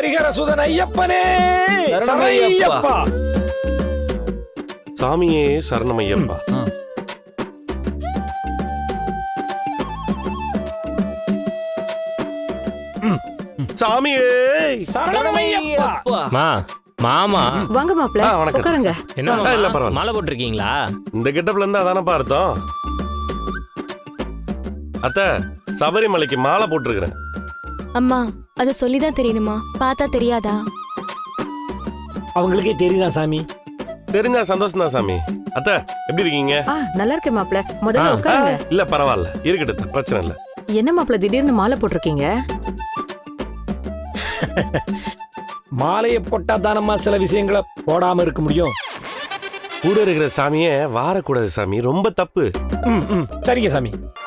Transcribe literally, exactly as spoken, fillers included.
ஹரிஹர சுதன் ஐயப்பனே சரணமையப்பா. சாமியே சரணமையப்பா. சாமியே சரணமையப்பா. மா மாமா வாங்க மாப்ள ஆ, வணக்கம். உட்காருங்க. என்ன ஆ, இல்ல, மாமா பரவாயில்ல. மாலை போட்டிருக்கீங்களா? இந்த கெட்டப்ல இருந்தா அதானப்பா அர்த்தம். அத்த சபரிமலைக்கு மாலை போட்டிருக்கிறேன். அம்மா அத சொல்லிதான் தெரியணுமா? பார்த்தா தெரியாதா? அவங்களுக்கே தெரியுதா சாமி? தெரிஞ்சா சந்தோஷம் தான் சாமி. அத்த எப்படி இருக்கீங்க? ஆ நல்லா இருக்கேன் மாப்ள. முதல்ல ஆ, உட்காருங்க. இல்ல பரவாயில்ல, இருக்கட்டும் அத்தை, பிரச்சனை இல்ல. என்ன மாப்ள திடீர்னு மாலை போட்டிருக்கீங்க? மாலையை போட்டா தானம்மா சில விஷயங்களை போடாம இருக்க முடியும். கூட இருக்கிற சாமியே வாரக்கூடாது சாமி, ரொம்ப தப்பு. ம், ம். சரிங்க சாமி.